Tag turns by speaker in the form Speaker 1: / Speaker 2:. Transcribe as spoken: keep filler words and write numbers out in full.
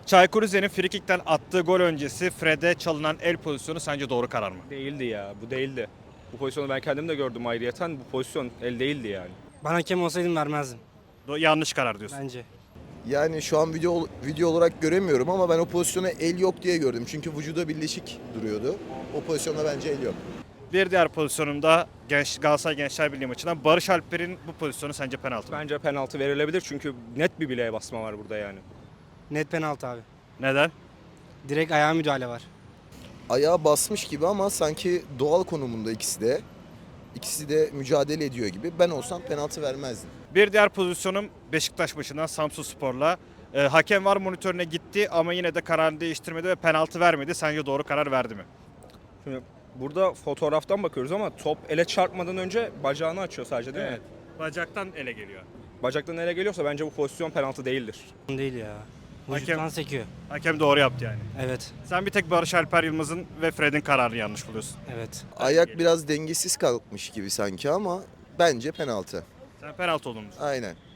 Speaker 1: Çaykur Rize'nin frikikten attığı gol öncesi Fred'e çalınan el pozisyonu sence doğru karar mı?
Speaker 2: Değildi ya. Bu değildi. Bu pozisyonu ben kendim de gördüm ayrıyeten. Bu pozisyon el değildi yani.
Speaker 3: Ben hakem olsaydım vermezdim
Speaker 1: Do- yanlış karar diyorsun.
Speaker 3: bence.
Speaker 4: Yani şu an video video olarak göremiyorum ama ben o pozisyona el yok diye gördüm. Çünkü vücuda birleşik duruyordu. O pozisyonda bence el yok.
Speaker 1: Bir diğer pozisyonunda Genç, Galatasaray Gençler Birliği maçından Barış Alper'in bu pozisyonu sence penaltı mı?
Speaker 2: Bence penaltı verilebilir çünkü net bir bileğe basma var burada yani.
Speaker 3: Net penaltı abi.
Speaker 1: Neden?
Speaker 3: Direkt ayağa müdahale var.
Speaker 4: Ayağa basmış gibi ama sanki doğal konumunda ikisi de. İkisi de mücadele ediyor gibi. Ben olsam penaltı vermezdim.
Speaker 1: Bir diğer pozisyonum Beşiktaş maçından Samsunspor'la. Ee, hakem var monitörüne gitti ama yine de kararını değiştirmedi ve penaltı vermedi. Sence doğru karar verdi mi?
Speaker 2: Şimdi burada fotoğraftan bakıyoruz ama top ele çarpmadan önce bacağını açıyor sadece değil mi?
Speaker 1: Bacaktan ele geliyor.
Speaker 2: Bacaktan ele geliyorsa bence bu pozisyon penaltı değildir.
Speaker 3: Değil ya.
Speaker 1: Hakem-
Speaker 3: Vücuttan sekiyor.
Speaker 1: Hakem doğru yaptı yani.
Speaker 3: Evet.
Speaker 1: Sen bir tek Barış Alper Yılmaz'ın ve Fred'in kararını yanlış buluyorsun.
Speaker 3: Evet.
Speaker 4: Ayak biraz dengesiz kalkmış gibi sanki ama bence penaltı.
Speaker 1: Sen penaltı olduğunu düşünüyorsun.
Speaker 4: Aynen.